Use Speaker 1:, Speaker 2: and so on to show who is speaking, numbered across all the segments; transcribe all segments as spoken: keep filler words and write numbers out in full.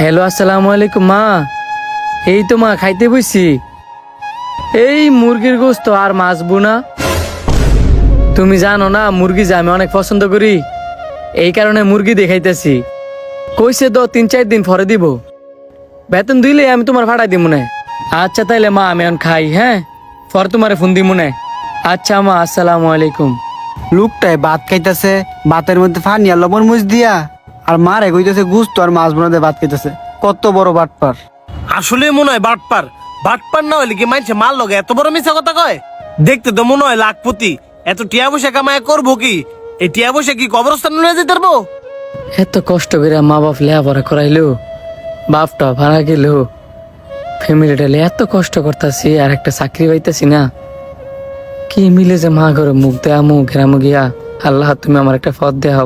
Speaker 1: Hello, আসসালামু আলাইকুম মা। এই তো মা খাইতে বসছি। এই মুরগির গোস্ত আর মাছ বুনা। তুমি জানো না মুরগি যে আমি অনেক পছন্দ করি, এই কারণে মুরগি দেখাইতেছি। কইছে তো তিন চার দিন পরে দিব, বেতন দিলে আমি তোমার ভাড়া দিব না। আচ্ছা তাইলে মা আমি এখন খাই, হ্যাঁ পরে তোমার ফোন দিব না। আচ্ছা মা, আসসালামু আলাইকুম।
Speaker 2: লোকটাই ভাত খাইতেছে, ভাতের মধ্যে ফানি আর লবণ মুচ দিয়া, আর মারে কইতেছে গুস্ত আর মাছ বোনাতে ভাত খাইতেছে। কত বড় বাটপার!
Speaker 3: আসলে মনে হয় বাটপার। বাটপার না হইলে কি মানছে মাল লগে এত বড় মিছা কথা কয়? দেখতে তো মনে হয় লাখপতি। এত টিয়া বসে কামায় করবো কি? এই টিয়া বসে কি কবরস্থান নিয়ে যেতে পারবো?
Speaker 1: এত কষ্ট করে মা বাপ লেখাপড়া করাইলো, বাপটা ভাড়া গেল, ফ্যামিলিটা এত কষ্ট করতেছি আর একটা চাকরি পাইতেছি না। কি মিলে যে মা ঘরে মুখ দেয়া মুখ ঘেরামু গিয়া। আল্লাহ তুমি আমার একটা পথ দেখাও।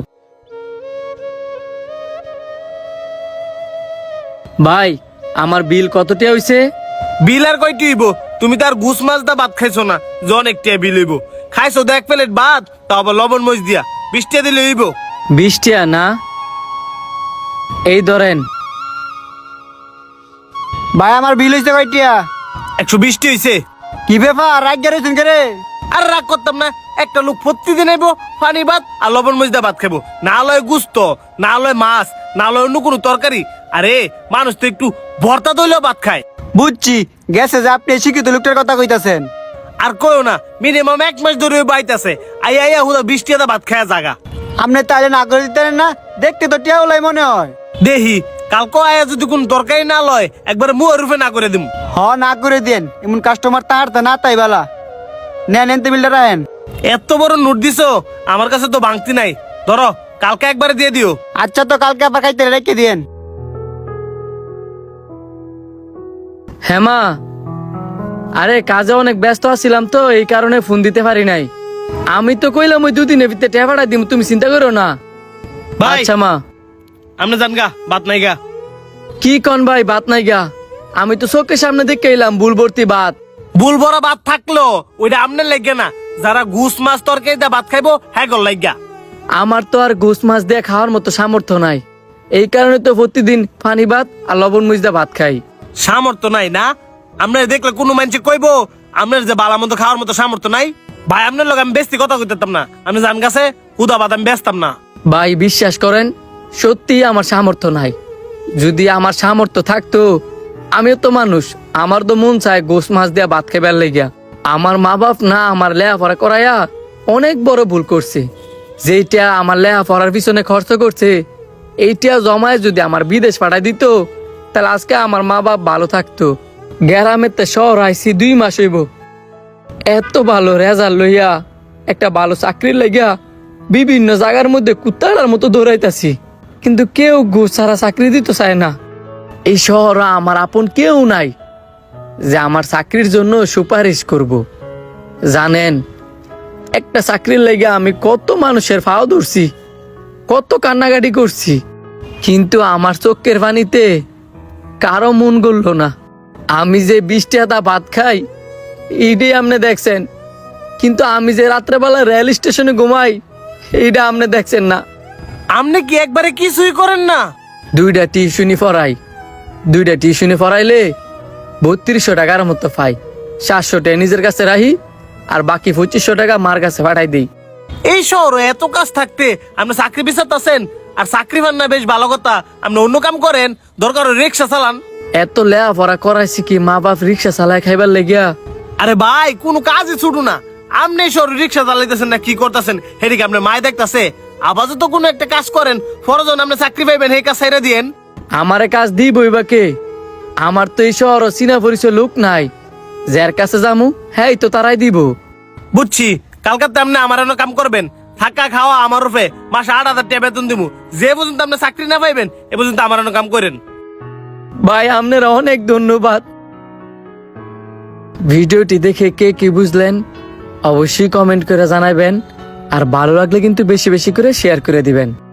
Speaker 1: ভাই আমার বিল কতটা হইছে?
Speaker 3: বিল আর কয়টি হইব? তুমি তার ঘুষ মাছ দা ভাত খাইছো না যে অনেক টিয়া বিল হইব? খাইছো তো এক প্লেট ভাত, তা আবার লবণ মরিচ দিয়া বিশ টিয়া দিলে হইব।
Speaker 1: বিশ টিয়া না, এই ধরেন।
Speaker 2: ভাই আমার বিল হইছে কয়টিয়া?
Speaker 3: একশো বিশটি হইছে।
Speaker 2: কি ব্যাপার, রাগ গেছেন কে রে?
Speaker 3: আর রাগ করতাম না। একটা লোক প্রতিদিন আইবো পানি ভাত আর লবণ মরিচ দা ভাত খাবো, না লয় গুস্ত, না লয় মাছ, না লয় অন্য কোনো তরকারি। আরে মানুষ তো একটু ভর্তা দইলেও ভাত খায়।
Speaker 2: বুঝছি, গেছে যে আপনি শিক্ষিত লোকটার কথা কইতাছেন।
Speaker 3: আর কয়ও না, মিনিমাম এক মাস ধরে বাইতেছে আই আইয়া হুদা বিশ টিয়া ভাত খায়া জাগা।
Speaker 2: আপনি তাইলে না করে দিতেন না? দেখতে তো টিয়া ওলাই মনে হয়।
Speaker 3: দেহি কালকে আয়া যদি কোন তরকারি না লয় একবারে মুয়ের রূপে না করে দিম।
Speaker 2: হ, না করে দেন। এমন কাস্টমার তাহার তা না তাই বেলা নেন, এনতে বিলটা রাখেন।
Speaker 3: এত বড় নোট দিছো, আমার কাছে তো ভাঙতি নাই। ধরো কালকে একবারে দিয়ে দিও।
Speaker 2: আচ্ছা, তো কালকে আবার খাইতে রেখে দিয়েন।
Speaker 1: হ্যাঁ মা, আরে কাজে অনেক ব্যস্ত আছিলাম তো এই কারণে ফোন দিতে পারি নাই। আমি তো কইলাম ওই দুদিনের ভিতরে টাকা পাঠাই দিম, তুমি চিন্তা করো না।
Speaker 3: ভাই
Speaker 1: আচ্ছা মা।
Speaker 3: আপনি জান গা, ভাত নাই গা।
Speaker 1: কি কন ভাই, ভাত নাই গা? আমি তো চোখের সামনে দেখে এলাম বুল ভর্তি ভাত।
Speaker 3: বুল ভরা ভাত থাকলো ওইটা আপনার লাগবে না। যারা ঘুষ মাছ তরকারি দিয়ে ভাত খাইবো হ্যাঁ গল লাগা।
Speaker 1: আমার তো আর গোস মাছ দিয়ে খাওয়ার মতো সামর্থ্য নাই, এই কারণে তো প্রতিদিন পানি ভাত আর লবণ মরিচ দিয়ে ভাত খাই।
Speaker 3: সামর্থ্য নাই না? আপনার দেখলে কোনো মানুষে কইবো আপনার যে বালা মতো খাওয়ার মতো সামর্থ্য নাই? ভাই আপনার লোক আমি বেশি কথা কইতাম না। আমি জান গাছে হুদা ভাত আমি বেচতাম না।
Speaker 1: ভাই বিশ্বাস করেন, সত্যি আমার সামর্থ্য নাই। যদি আমার সামর্থ্য থাকতো, আমিও তো মানুষ, আমার তো মন চায় গোস মাছ দিয়া ভাত খাইবার লেগিয়া। আমার মা বাপ না আমার লেখাপড়া করাইয়া অনেক বড় ভুল করছে। যেইটা আমার লেখাপড়ার পিছনে খরচ করছে, এইটা জমায় যদি আমার বিদেশ পাঠাই দিত, তাহলে আজকে আমার মা বাপ ভালো থাকতো। গ্রামের তে শহর আইসি দুই মাস হইব, এত ভালো রেজাল্ট লইয়া একটা ভালো চাকরি লাগিয়া বিভিন্ন জায়গার মধ্যে কুত্তার মতো দৌড়াইতাছি, কিন্তু কেউ ঘুষ ছাড়া চাকরি দিতে চায় না। এই শহরে আমার আপন কেউ নাই যে আমার চাকরির জন্য সুপারিশ করব। জানেন, একটা চাকরির লেগে আমি কত মানুষের ফাও ধরছি, কত কান্নাকাটি করছি, কিন্তু আমার চোখের পানিতে কারো মন গড়ল না। আমি যে বৃষ্টি হাতা ভাত খাই এইটাই আপনি দেখছেন, কিন্তু আমি যে রাত্রেবেলা রেল স্টেশনে ঘুমাই এইটা আপনি দেখছেন না।
Speaker 3: আপনি কি একবারে কিছুই করেন না?
Speaker 1: দুইটা টিউশনি পড়াই, দুইটা টিউশনি পড়াইলে বত্রিশশো টাকার মতো পাই। সাতশো টাকা নিজের কাছে রাখি আর বাকি পঁচিশশো টাকা মার কাছে পাঠাই দিই।
Speaker 3: এই শহরে এত কাজ থাকতে আপনি চাকরি বিচারতেছেন? আর চাকরি পান না বেশ ভালো কথা, আপনি অন্য কাম করেন, দরকার রিক্সা চালান।
Speaker 1: এত লেখাপড়া করাইছি কি মা বাপ রিক্সা চালায় খাইবার লেগিয়া?
Speaker 3: আরে ভাই কোনো কাজই ছুটু না। আপনি শহরে রিক্সা চালাইতেছেন না কি করতেছেন হেদিকে আপনার মায় দেখতেছে। আপাতত কোনো একটা কাজ করেন, ফরজন আপনি চাকরি পাইবেন, এই কাজ ছাইরা দিয়েন।
Speaker 1: আমারে কাজ দিবই বা কে? আমার তো এই শহর চিনা পরিচয় লোক নাই, যার কাছে যামু হ্যাঁ তো তারাই দিব।
Speaker 3: বুঝছি, কালকাতে আপনি আমার এনে কাম করবেন, থাকা খাওয়া আমার রূপে মাসে আট হাজার টাকা বেতন দিব। যে পর্যন্ত আপনি চাকরি না পাইবেন এ পর্যন্ত আমার এনে কাম করেন।
Speaker 1: ভাই আপনারা অনেক ধন্যবাদ। ভিডিওটি দেখে কে কি বুঝলেন অবশ্যই কমেন্ট করে জানাবেন, আর ভালো লাগলে কিন্তু বেশি বেশি করে শেয়ার করে দিবেন।